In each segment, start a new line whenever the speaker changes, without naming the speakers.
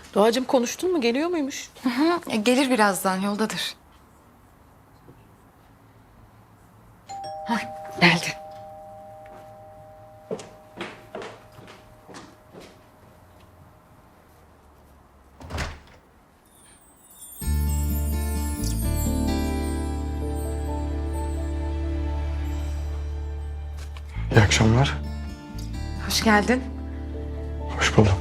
Doğacığım konuştun mu? Geliyor muymuş?
Gelir birazdan, yoldadır. Hah, geldi.
İyi akşamlar.
Hoş geldin.
Hoş buldum.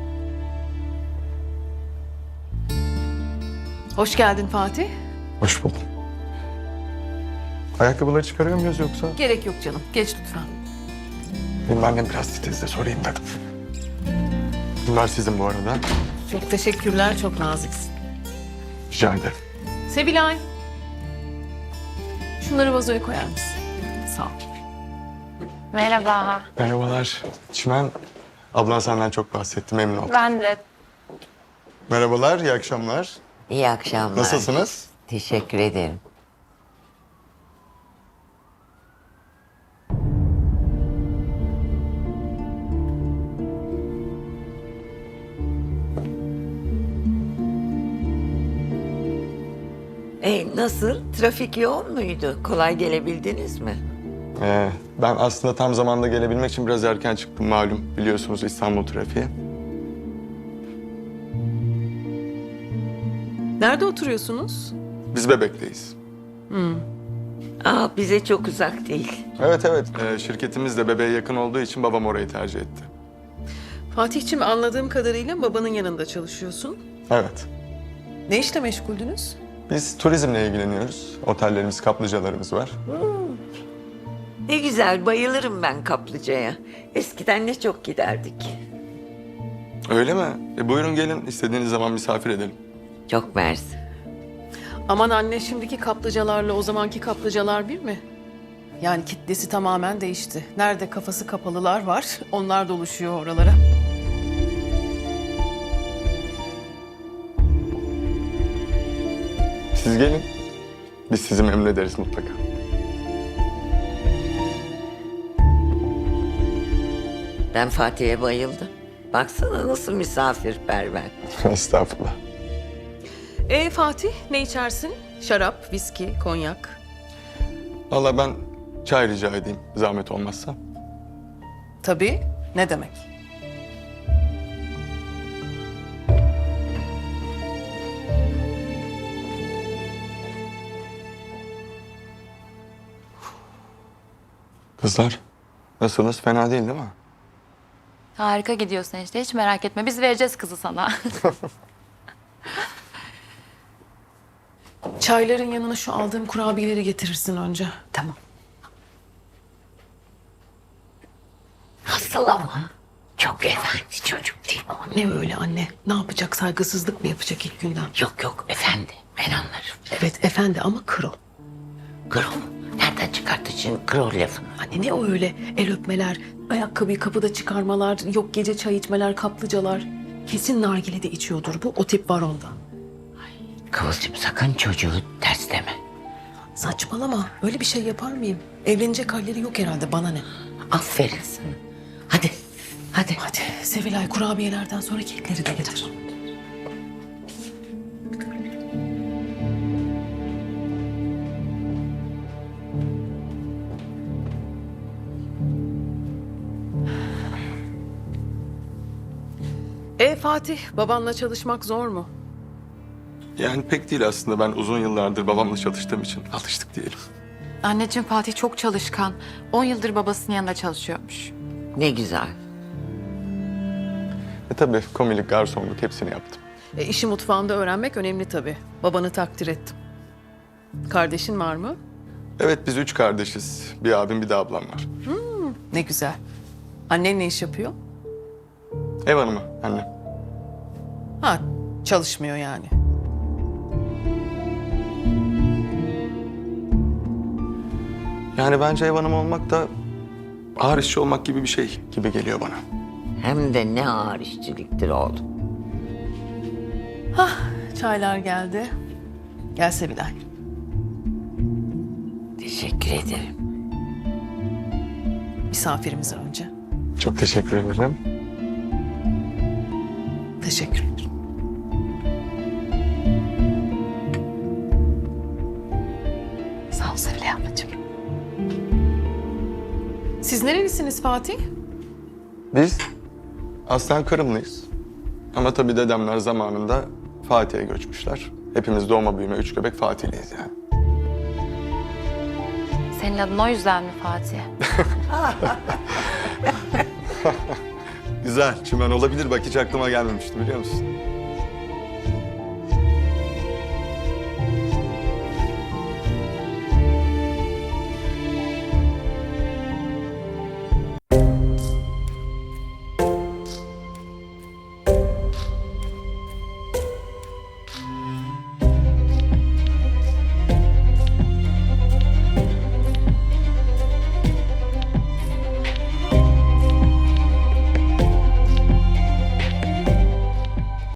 Hoş geldin Fatih.
Hoş buldum. Ayakkabıları çıkarıyor muyuz yoksa?
Gerek yok canım. Geç lütfen.
Benim annem biraz titizde, sorayım dedim. Bunlar sizin bu arada.
Çok teşekkürler. Çok naziksin.
Rica ederim.
Sevilay. Şunları vazoya koyar mısın? Sağ ol.
Merhaba.
Merhabalar. Çimen, ablan senden çok bahsetti, memnun oldum.
Ben de.
Merhabalar, iyi akşamlar.
İyi akşamlar.
Nasılsınız?
Teşekkür ederim. Nasıl? Trafik yoğun muydu? Kolay gelebildiniz mi?
Ben aslında tam zamanda gelebilmek için biraz erken çıktım malum. Biliyorsunuz İstanbul trafiği.
Nerede oturuyorsunuz?
Biz Bebek'teyiz.
Bize çok uzak değil.
Evet. Şirketimiz de Bebek'e yakın olduğu için babam orayı tercih etti.
Fatih'ciğim anladığım kadarıyla babanın yanında çalışıyorsun.
Evet.
Ne işle meşguldünüz?
Biz turizmle ilgileniyoruz. Otellerimiz, kaplıcalarımız var.
Ne güzel, bayılırım ben kaplıcaya. Eskiden ne çok giderdik.
Öyle mi? Buyurun gelin, istediğiniz zaman misafir edelim.
Çok mersi.
Aman anne, şimdiki kaplıcalarla o zamanki kaplıcalar bir mi? Yani kitlesi tamamen değişti. Nerede kafası kapalılar var, onlar doluşuyor oralara.
Siz gelin. Biz sizi memnun ederiz mutlaka.
Ben Fatih'e bayıldım. Baksana nasıl misafirperver.
Estağfurullah.
Fatih, ne içersin? Şarap, viski, konyak.
Vallahi ben çay rica edeyim, zahmet olmazsa.
Tabii, ne demek?
Kızlar, nasılsınız? Fena değil mi?
Harika gidiyorsun işte. Hiç merak etme. Biz vereceğiz kızı sana.
Çayların yanına şu aldığım kurabiyeleri getirirsin önce.
Tamam. Nasıl ama? Çok efendi çocuk değil mi?
Ne öyle anne? Ne yapacak? Saygısızlık mı yapacak ilk günden?
Yok efendi. Ben anlarım.
Evet efendi ama kro.
Kro mu? Nereden çıkarttı şimdi kro lafını?
Anne ne o öyle? El öpmeler, ayakkabıyı kapıda çıkarmalar, yok gece çay içmeler, kaplıcalar. Kesin nargilede içiyordur bu. O tip var onda.
Kıvılcım sakın çocuğu tersleme.
Saçmalama. Öyle bir şey yapar mıyım? Evlenecek halleri yok herhalde. Bana ne?
Aferin sana. Hadi.
Hadi Sevilay, kurabiyelerden sonra kekleri de getir. Fatih, babanla çalışmak zor mu?
Yani pek değil aslında. Ben uzun yıllardır babamla çalıştığım için alıştık diyelim.
Anneciğim Fatih çok çalışkan. 10 yıldır babasının yanında çalışıyormuş.
Ne güzel.
Tabii komilik, garsonluk hepsini yaptım.
İşi mutfağında öğrenmek önemli tabii. Babanı takdir ettim. Kardeşin var mı?
Evet, biz 3 kardeşiz. Bir abim, bir de ablam var.
Ne güzel. Annen ne iş yapıyor?
Ev hanımı, anne.
Ha, çalışmıyor yani.
Yani bence ev hanımı olmak da ağır işçi olmak gibi bir şey gibi geliyor bana.
Hem de ne ağır işçiliktir oğlum.
Çaylar geldi. Gel Sevilay.
Teşekkür ederim.
Misafirimize önce.
Çok teşekkür ederim.
Teşekkür ederim. Siz nerelisiniz Fatih?
Biz aslen Kırımlıyız. Ama tabii dedemler zamanında Fatih'e göçmüşler. Hepimiz doğma büyüme üç göbek Fatihliyiz yani.
Senin adın o yüzden mi Fatih?
Güzel, çimen olabilir. Bak hiç aklıma gelmemişti biliyor musun?